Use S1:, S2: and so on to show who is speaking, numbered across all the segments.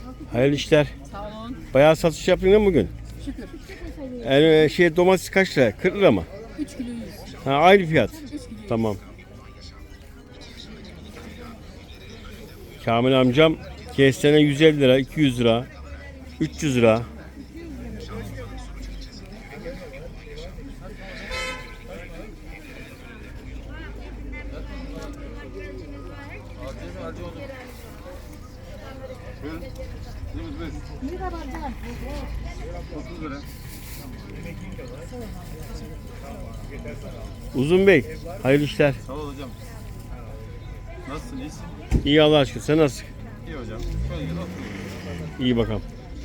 S1: Hayırlı işler.
S2: Sağ olun.
S1: Bayağı satış yaptın değil mi bugün?
S2: Şükür.
S1: Yani domates kaç lira? 40 lira mı?
S2: 3 kilo 100.
S1: Ha, aynı fiyat.
S2: 3 kilo 100.
S1: Tamam. Kamil amcam kestane 150 lira, 200 lira, 300 lira. Uzun Bey, hayırlı işler.
S3: Sağ ol hocam. Nasılsın? İyisin?
S1: İyi Allah aşkına. Sen nasılsın?
S3: İyi hocam. Şöyle gel otur.
S1: İyi bakalım.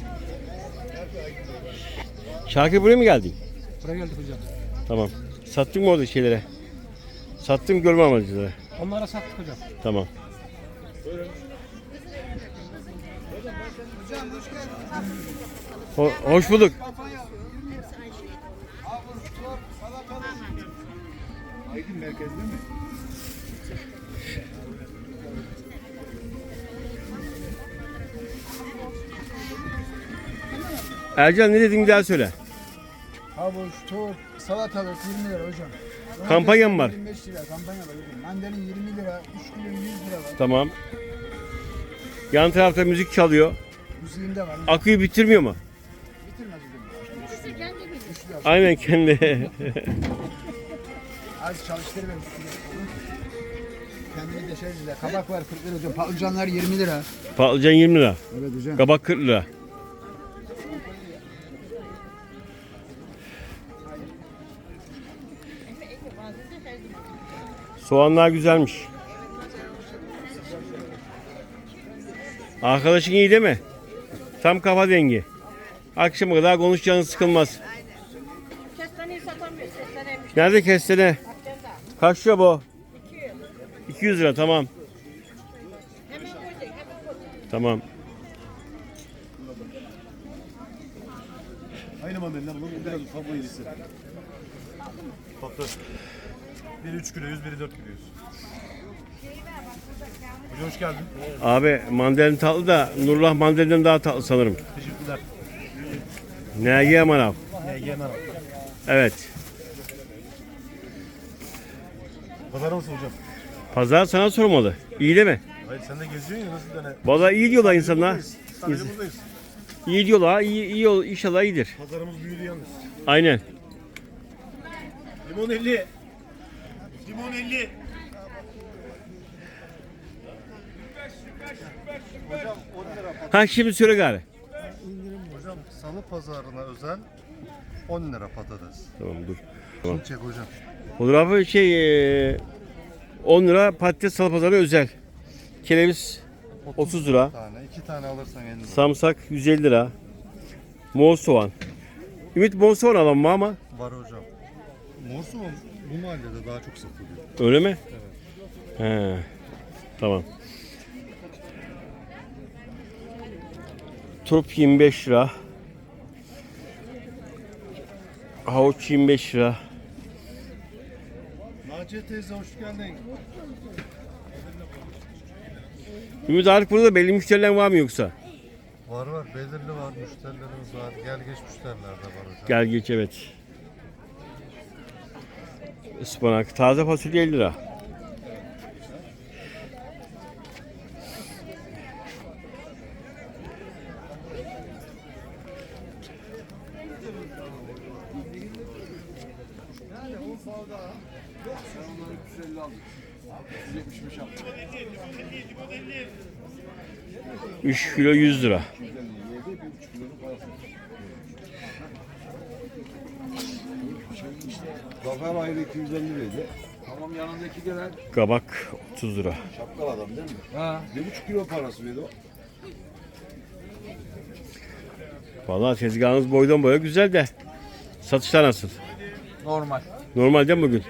S1: Şakir buraya mı geldin?
S4: Buraya geldik hocam.
S1: Tamam. Sattın mı orada şeylere? Sattım görme amacılara.
S4: Onlara sattık hocam.
S1: Tamam. Hoş bulduk.
S3: Aydın merkezde mi?
S1: Ercan ne dedin bir daha söyle.
S5: Havuç, turp, salatalık 20 lira hocam.
S1: Kampanya mı var?
S5: 25 lira kampanya var hocam. Mandalin 20 lira, 3 kilo 100 lira var.
S1: Tamam. Yan tarafta müzik çalıyor.
S5: Müziğinde var.
S1: Akıyı bitirmiyor mu?
S5: Bitirmez hocam. Üçlü az.
S1: Aynen kendi.
S5: Az çalıştırır ben. Kendini deşerciler. Kabak var 40 lira hocam. Patlıcanlar 20 lira.
S1: Patlıcan 20 lira.
S5: Evet hocam.
S1: Kabak 40 lira. Soğanlar güzelmiş. Arkadaşın iyi değil mi? Tam kafa dengi. Akşama kadar konuşacağınız sıkılmaz.
S2: Kestaneyi satamıyor. Kestaneymiş.
S1: Nerede kestane? Kaç lira bu? 200 lira tamam.
S2: Hemen koyacak. Hemen koyacak.
S1: Tamam.
S3: Aynı mandalina bulun. Biraz ufak boyusu. Tatlı. Biri 3 kilo 100, biri 4 kilo 100. Hocam hoş geldin.
S1: Abi mandalin tatlı da Nurullah mandalinden daha tatlı sanırım.
S3: Teşekkürler.
S1: NG manav.
S3: Yemen abi.
S1: Evet.
S3: Pazar nasıl hocam?
S1: Pazar sana sormalı. İyi değil mi?
S3: Hayır sen de geziyorsun ya nasıl dene?
S1: Vallahi iyi diyorlar insanlar.
S3: Sadece buradayız.
S1: İyi diyorlar. İyi inşallah iyidir.
S3: Pazarımız büyüdü yalnız.
S1: Aynen.
S3: Limon 50. Limon 50. Hocam 10 lira.
S1: Ha şimdi söyle gari.
S3: Hocam salı pazarına özel 10 lira patates.
S1: Tamam dur.
S3: Şunu çek hocam.
S1: Olur abi 10 lira patates salı pazarı özel. Kereviz 30 lira.
S3: Tane, 2 tane alırsan 50 lira.
S1: Samsak 150 lira. Mor soğan. Ümit mor soğan alalım mı ama?
S3: Var hocam. Mor soğan bu mahallede daha çok satılıyor.
S1: Öyle mi? Evet. He. Tamam. Turp 25 lira. Havuç 25 lira.
S3: Naciye teyze hoş geldin.
S1: Ümit artık burada belli müşteriler var mı yoksa?
S3: Var belirli var müşterilerimiz var. Gel geç müşteriler de var hocam.
S1: Gel geç evet. Ispanak. Taze fasulye 50 lira. Üç kilo 100 lira.
S6: Zafer ayrı 250 liraydı. Tamam yanındaki gelen
S1: Kabak 30 lira.
S6: şapkalı adam değil mi?
S5: Ha.
S6: 1,5 kilo parası verdi o.
S1: Vallahi tezgahınız boydan boya güzel de satışlar nasıl?
S5: Normal.
S1: Normal değil mi bugün?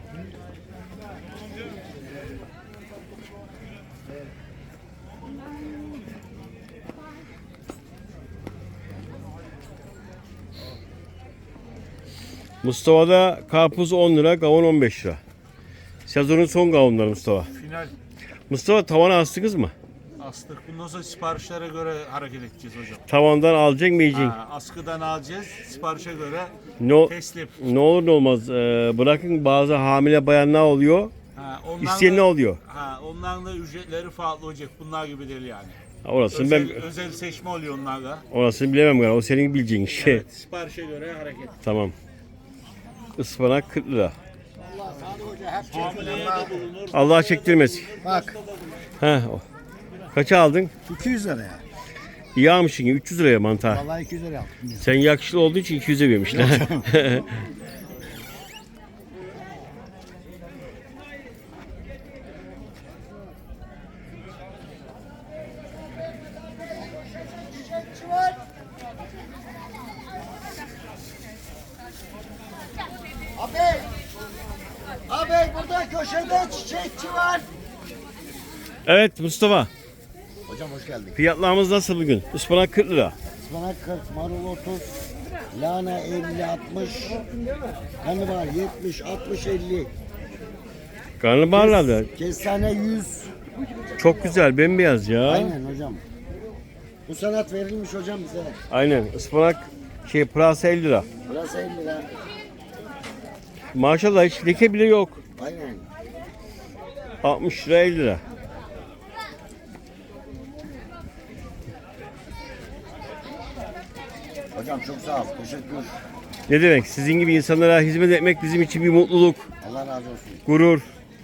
S1: Mustafa'da karpuz 10 lira, kavun 15 lira. Sezonun son kavunları Mustafa.
S3: Final.
S1: Mustafa tavana astınız mı?
S7: Astık. Bundan sonra siparişlere göre hareket edeceğiz hocam.
S1: Tavandan alacaksın mı yiyeceksin?
S7: Askıdan alacağız. Siparişe göre
S1: Ne,
S7: teslim.
S1: ne olur ne olmaz. Bırakın bazı hamile bayanlar oluyor. İsteyen ne oluyor?
S7: Onların da ücretleri farklı olacak. Bunlar gibi değil yani.
S1: Orasını ben
S7: Özel seçme oluyor onlarla.
S1: orasını bilemem galiba. O senin bileceğin şey.
S7: Evet, siparişe göre hareket.
S1: Tamam. Ispanak 40 lira.
S7: Hamileye de bulunur.
S1: Allah çektirmesin.
S5: Bak
S1: Heh. Kaça aldın?
S5: 200 liraya.
S1: İyi almışsın. 300 liraya mantar.
S5: Vallahi 200 liraya yaptım.
S1: Sen yakışıklı olduğu için 200'e vermişler.
S5: Abi burada köşede çiçekçi var.
S1: Evet Mustafa.
S5: Hocam hoş geldin.
S1: Fiyatlarımız nasıl bugün? Ispanak 40 lira.
S5: Ispanak 40, marul 30, lahana 50, 60, karnabahar 70, 60, 50,
S1: Karnabaharlarda
S5: kestane 100.
S1: çok güzel bembeyaz ya.
S5: Aynen hocam. Bu sanat verilmiş hocam bize.
S1: Aynen. Ispanak pırasa 50 lira.
S5: Burası 50 lira.
S1: Maşallah hiç leke bile yok.
S5: Aynen.
S1: 60 lira 50 lira.
S5: Hocam çok sağ ol. Teşekkür.
S1: Ne demek? Sizin gibi insanlara hizmet etmek bizim için bir mutluluk,
S5: Allah razı olsun.
S1: gurur.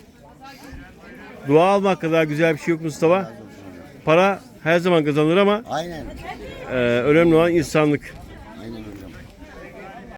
S1: Dua almak kadar güzel bir şey yok Mustafa. Para her zaman kazanılır ama
S5: Aynen.
S1: önemli olan insanlık.